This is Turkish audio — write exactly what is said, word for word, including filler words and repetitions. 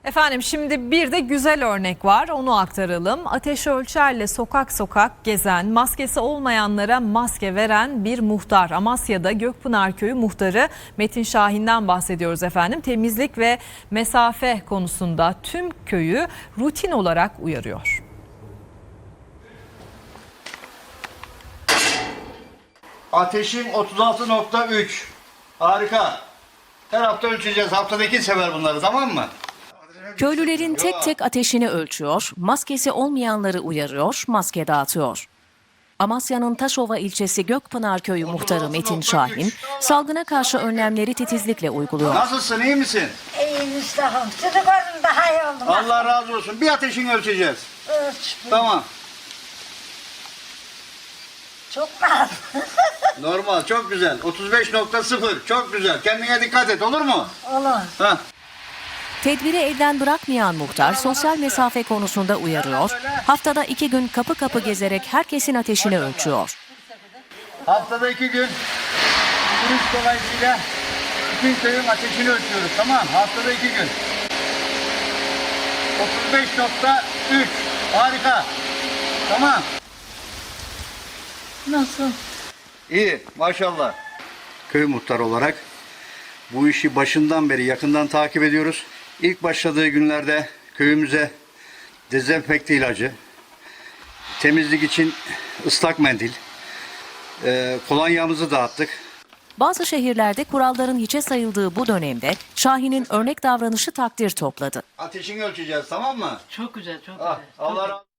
Efendim şimdi bir de güzel örnek var, onu aktaralım. Ateş ölçerle sokak sokak gezen, maskesi olmayanlara maske veren bir muhtar. Amasya'da Gökpınar Köyü muhtarı Metin Şahin'den bahsediyoruz efendim. Temizlik ve mesafe konusunda tüm köyü rutin olarak uyarıyor. Ateşim otuz altı nokta üç. Harika. Her hafta ölçeceğiz. Haftada iki sefer bunları, tamam mı? Köylülerin tek tek ateşini ölçüyor, maskesi olmayanları uyarıyor, maske dağıtıyor. Amasya'nın Taşova ilçesi Gökpınar Köyü muhtarı Metin Şahin, salgına karşı önlemleri titizlikle uyguluyor. Nasılsın, iyi misin? İyiyim Mustafa'm. Sizi gördüm daha iyi oldum. Allah razı olsun. Bir ateşini ölçeceğiz. Ölç. Tamam. Çok rahat. Normal, çok güzel. otuz beş nokta sıfır. Çok güzel. Kendine dikkat et, olur mu? Olur. Hah. Tedbiri elden bırakmayan muhtar sosyal mesafe konusunda uyarıyor, haftada iki gün kapı kapı gezerek herkesin ateşini ölçüyor. Haftada iki gün turist dolayısıyla bütün köyün ateşini ölçüyoruz, tamam. Haftada iki gün. otuz beş nokta üç. Harika. Tamam. Nasıl? İyi, maşallah. Köy muhtarı olarak bu işi başından beri yakından takip ediyoruz. İlk başladığı günlerde köyümüze dezenfekte ilacı, temizlik için ıslak mendil, e, kolonyamızı dağıttık. Bazı şehirlerde kuralların hiçe sayıldığı bu dönemde Şahin'in örnek davranışı takdir topladı. Ateşini ölçeceğiz, tamam mı? Çok güzel, çok Ah, güzel. Allah razı olsun.